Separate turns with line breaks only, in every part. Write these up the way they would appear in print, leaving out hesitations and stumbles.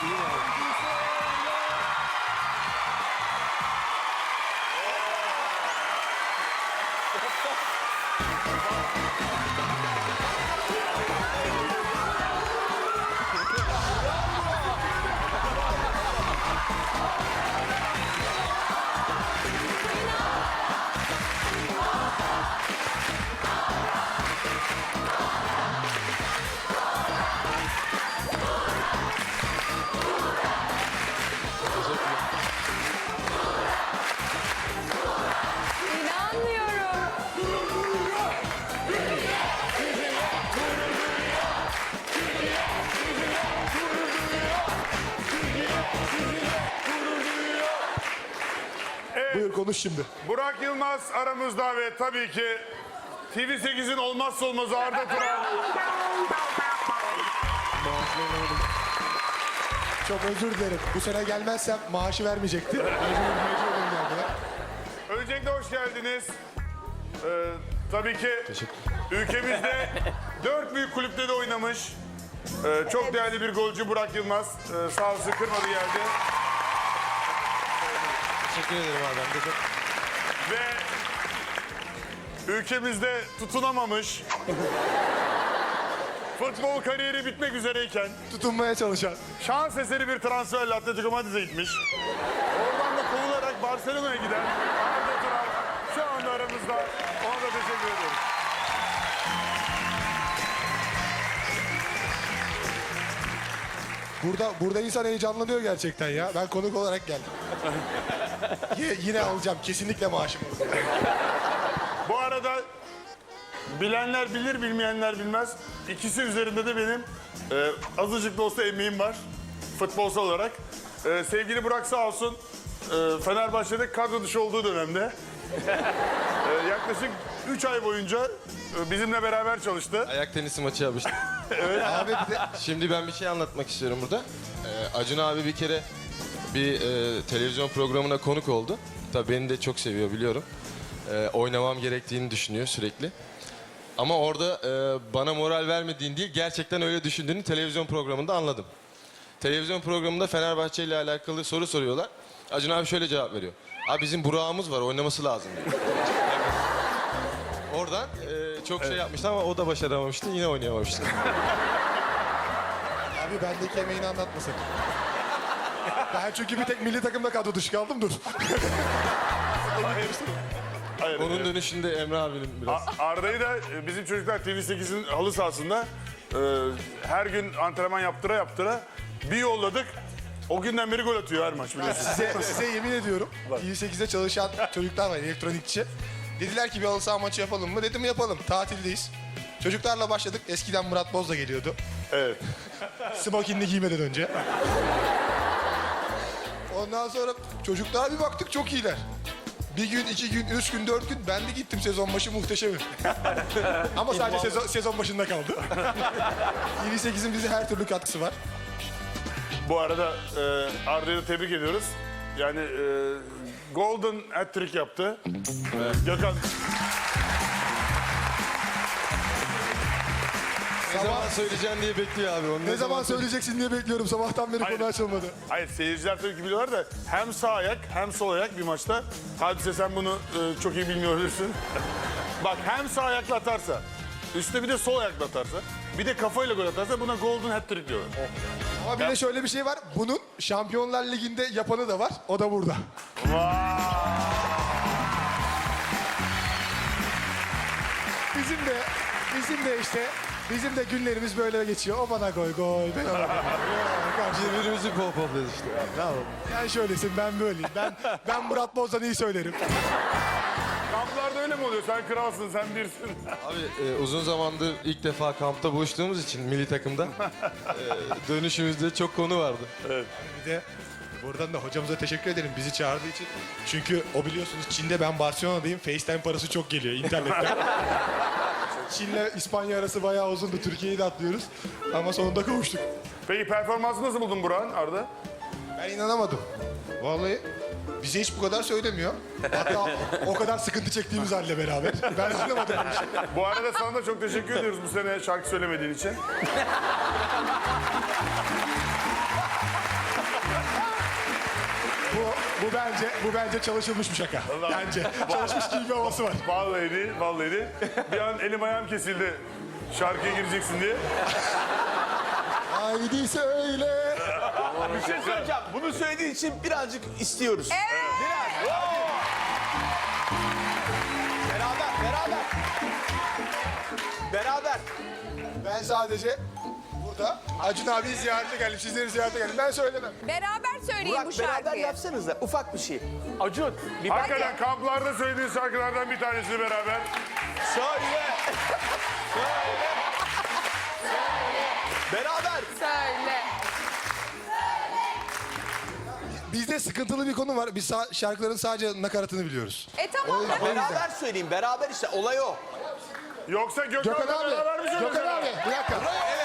İnanmıyorum.
Buyur konuş şimdi.
Burak Yılmaz aramızda ve tabii ki TV8'in olmazsa olmazı Arda Turan.
Çok özür dilerim. Bu sene gelmezsem maaşı vermeyecekti. Mecbur geldiler.
Öncelikle hoş geldiniz. Tabii ki ülkemizde 4 büyük kulüpte de oynamış. Çok değerli bir golcü Burak Yılmaz. Sağ olsun kırmadı geldi.
Teşekkür ederim abi. Ben de çok...
Ve ülkemizde tutunamamış. Futbol kariyeri bitmek üzereyken
Tutunmaya çalışan.
şans eseri bir transferle Atletico Madrid'e gitmiş. Oradan da kovularak Barcelona'ya giden Arda Turan şu anda aramızda. Ona da teşekkür ediyoruz.
Burada insan heyecanlanıyor gerçekten ya. Ben konuk olarak geldim. Yine alacağım. Kesinlikle maaşımı.
Bu arada bilenler bilir, bilmeyenler bilmez. İkisi üzerinde de benim azıcık da olsa emeğim var. Futbolsal olarak. Sevgili Burak sağ olsun Fenerbahçe'de kadro dışı olduğu dönemde yaklaşık 3 ay boyunca bizimle beraber çalıştı.
Ayak tenisi maçı yapmıştım.
Abi bir de
Şimdi ben bir şey anlatmak istiyorum burada. Acun abi bir kere bir televizyon programına konuk oldu. Tabii beni de çok seviyor biliyorum. Oynamam gerektiğini düşünüyor sürekli. Ama orada bana moral vermediğini değil, gerçekten öyle düşündüğünü televizyon programında anladım. Televizyon programında Fenerbahçe ile alakalı soru soruyorlar. Acun abi şöyle cevap veriyor. Abi bizim Burak'ımız var, oynaması lazım diyor. Oradan çok şey yapmıştı ama o da başaramamıştı, yine oynayamamıştı.
abi bendeki emeğini anlatmasak. Ben çünkü bir tek milli takımda kadro dışı kaldım dur.
Hayır,
Onun dönüşünde Emre abinin biraz...
Arda'yı da bizim çocuklar TV8'in halı sahasında her gün antrenman yaptıra bir yolladık. O günden beri gol atıyor her maç biliyorsun.
Size yemin ediyorum. TV8'de çalışan çocuklar var, elektronikçi. Dediler ki bir halı saha maçı yapalım mı? Dedim yapalım. Tatildeyiz. Çocuklarla başladık. Eskiden Murat Boz da geliyordu.
Evet.
Smokinini giymeden önce. Ondan sonra çocuklar bir baktık çok iyiler. Bir gün, 2 gün, 3 gün, 4 gün ben de gittim sezon başı muhteşemim. Ama sadece sezon başında kaldı. TV8'in bize her türlü katkısı var.
Bu arada Arda'yı da tebrik ediyoruz. Yani Golden hat-trick yaptı. Gökhan
Ne zaman söyleyeceğim diye bekliyor abi. Onu
Ne zaman söyleyeceksin diye bekliyorum. Sabahtan beri
Hayır.
konu açılmadı.
Hayır seyirciler tabii ki biliyorlar da hem sağ ayak hem sol ayak bir maçta. Hadise sen bunu çok iyi bilmiyor olursun. Bak hem sağ ayakla atarsa, üstte bir de sol ayakla atarsa, bir de kafayla gol atarsa buna golden hat-trick diyorlar.
Ama bir de şöyle bir şey var. Bunun Şampiyonlar Ligi'nde yapanı da var. O da burada. Bizim de günlerimiz böyle geçiyor. O bana gol, ben ona gol.
Birbirimizi pohpohluyoruz işte. Ne yapalım?
Sen şöylesin, ben böyleyim. Ben Murat Boz'dan iyi söylerim.
Kamplarda öyle mi oluyor? Sen kralsın, sen birsin.
Abi uzun zamandır ilk defa kampta buluştuğumuz için milli takımda dönüşümüzde çok konu vardı.
Bir de buradan da hocamıza teşekkür ederim bizi çağırdığı için. Çünkü o biliyorsunuz Çin'de ben Barcelona'dayım. FaceTime parası çok geliyor internetten. Çin'le İspanya arası bayağı uzundu. Türkiye'yi de atlıyoruz. Ama sonunda kavuştuk.
Peki performansı nasıl buldun Burak'ın Arda?
Ben inanamadım. Vallahi bize hiç bu kadar söylemiyor. Hatta o kadar sıkıntı çektiğimiz halde beraber. Ben anlamadım bu işi.
Bu arada sana da çok teşekkür ediyoruz bu sene şarkı söylemediğin için.
Bu bence çalışılmış bir şaka. Bence çalışmış gibi bir havası var.
Vallahi değil, vallahi değil. Bir an elim ayağım kesildi şarkıya gireceksin diye.
Haydi söyle.
Bir şey söyleyeceğim. Bunu söylediğin için birazcık istiyoruz. Evet. Biraz. Beraber.
Ben sadece burada Acun abiyi ziyarete geldim. Sizleri ziyarete geldim. Ben söylemem.
Beraber söyleyin bu
Burak beraber
şarkıyı.
yapsanız da ufak bir şey. Acun bir bak.
Hakikaten kamplarda söylediğin şarkılardan bir tanesi beraber.
Söyle. Beraber.
Söyle.
Bizde sıkıntılı bir konu var. Biz şarkıların sadece nakaratını biliyoruz.
Tamam.
Beraber söyleyin. Beraber işte olay o.
Yoksa
Gökhan
Gökhan'la beraber mi
abi. Gökhan
söylüyorsun?
abi. Bir dakika.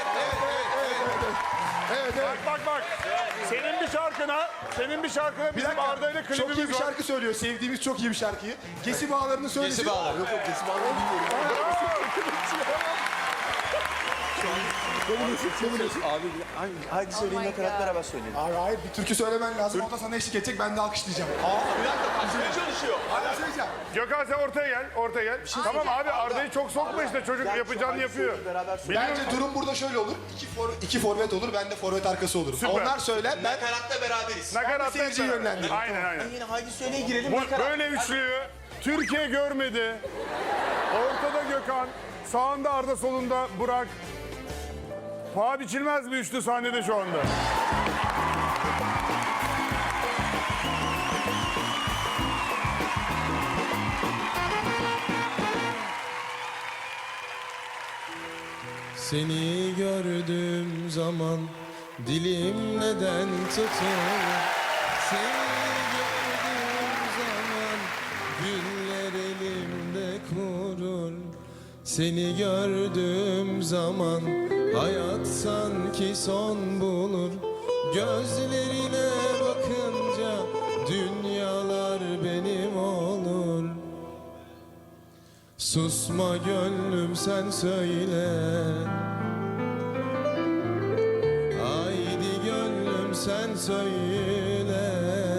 Evet.
Bak. Senin bir şarkına
Bir
bizim
dakika.
Arda ile
Çok iyi
klibimiz
bir
var.
şarkı söylüyor. Sevdiğimiz çok iyi bir şarkıyı. Gesi bağlarını söylesin.
Gesi bağları.
Yok gesi bağlarını bilmiyorum.
Abi hadi söyleyin nakarat beraber söyleyin.
Abi hayır bir türkü söylemen lazım. O da sana eşlik edecek. Ben de alkışlayacağım.
Bir dakika kaçmaya çalışıyor.
Hala söyleyeceğim.
Gökhan sen ortaya gel. Tamam abi Arda'yı çok sokma işte çocuk yapacağını yapıyor.
Beraber söyleyin.
Bence durum burada şöyle olur. İki forvet olur. Ben de forvet arkası olurum.
Süper.
Onlar söyler. Ben
Nakaratta beraberiz.
Nakarat
seyirciyi yönlendireyim.
Aynen.
Yine haydi söyleye girelim nakarat.
Böyle üçlüyü Türkiye görmedi. Ortada Gökhan, sağında Arda, solunda Burak. Paha biçilmez bir üçlü sahnede şu anda.
Seni gördüğüm zaman dilim neden tutuyor? Seni gördüğüm zaman güller elimde kurur. Seni gördüğüm zaman hayat sanki son bulur. Gözlerine bakınca dünyalar benim olur. Susma gönlüm sen söyle. Haydi gönlüm sen söyle.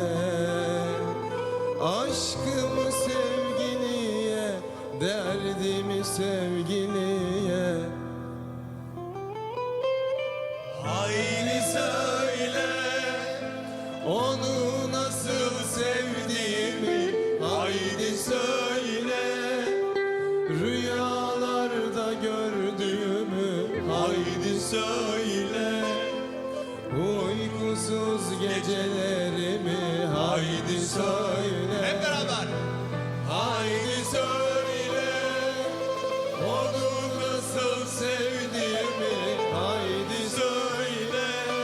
Aşkımı sevgiliye, derdimi sevgiliye. Haydi söyle, onu nasıl sevdiğimi. Haydi söyle, rüyalarda gördüğümü. Haydi söyle, uykusuz gecelerimi. Haydi söyle. Hep beraber. Haydi söyle, onu nasıl sevdiğimi. Haydi söyle,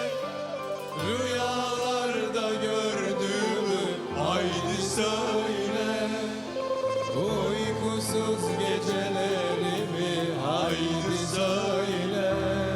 rüyalarda gördüğümü. Haydi söyle, uykusuz gecelerimi. Haydi söyle.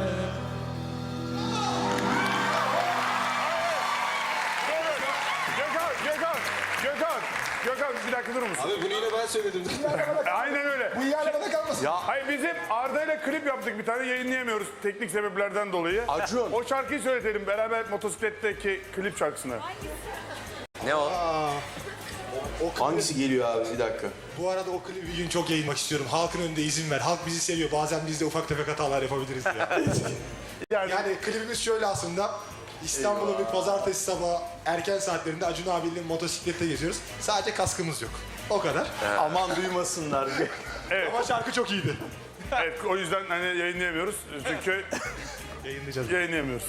Gökhan bir dakika durur musun?
Abi bunu yine ben söyledim.
Aynen öyle.
Bu yerlerde kalmasın.
Hayır bizim Arda ile klip yaptık bir tane yayınlayamıyoruz teknik sebeplerden dolayı.
Acun.
O şarkıyı söyletelim beraber motosikletteki klip şarkısını.
Ne o? Hangisi geliyor abi bir dakika.
Bu arada o klibi bir gün çok yayınlamak istiyorum. Halkın önünde izin ver. Halk bizi seviyor. Bazen biz de ufak tefek hatalar yapabiliriz diye. Yani klibimiz şöyle aslında. İstanbul'un bir pazartesi sabahı erken saatlerinde Acun abiyle motosiklette geziyoruz. Sadece kaskımız yok. O kadar.
Aman duymasınlar.
Ama şarkı çok iyiydi.
Evet o yüzden hani yayınlayamıyoruz çünkü
Yayınlayacağız.
yayınlayamıyoruz.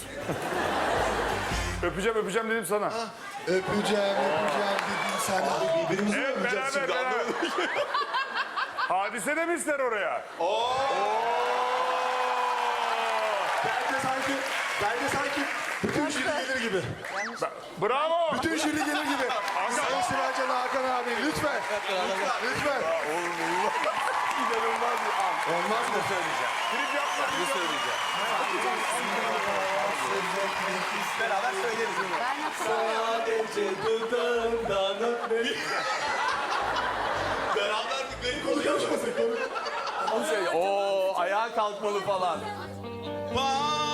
öpeceğim dedim sana.
Öpeceğim dedim sana. Birbirimizi
Evet beraber. Hadise de mi ister oraya?
Bence sanki bütün jüri gelir gibi.
Bravo.
Bütün jüri gelir gibi. Sayın Sibelcan Hakan abi lütfen. Lütfen.
İnanılmaz bir an.
Olmaz mı?
Söyleyeceğim.
Klip yapma.
Ne söyleyeceğim? Beraber söyleriz. Sadece dudağından öpmek. Beraber bir garip oluyor. Onu söyle. Oo ayağa kalkmalı falan. Vay!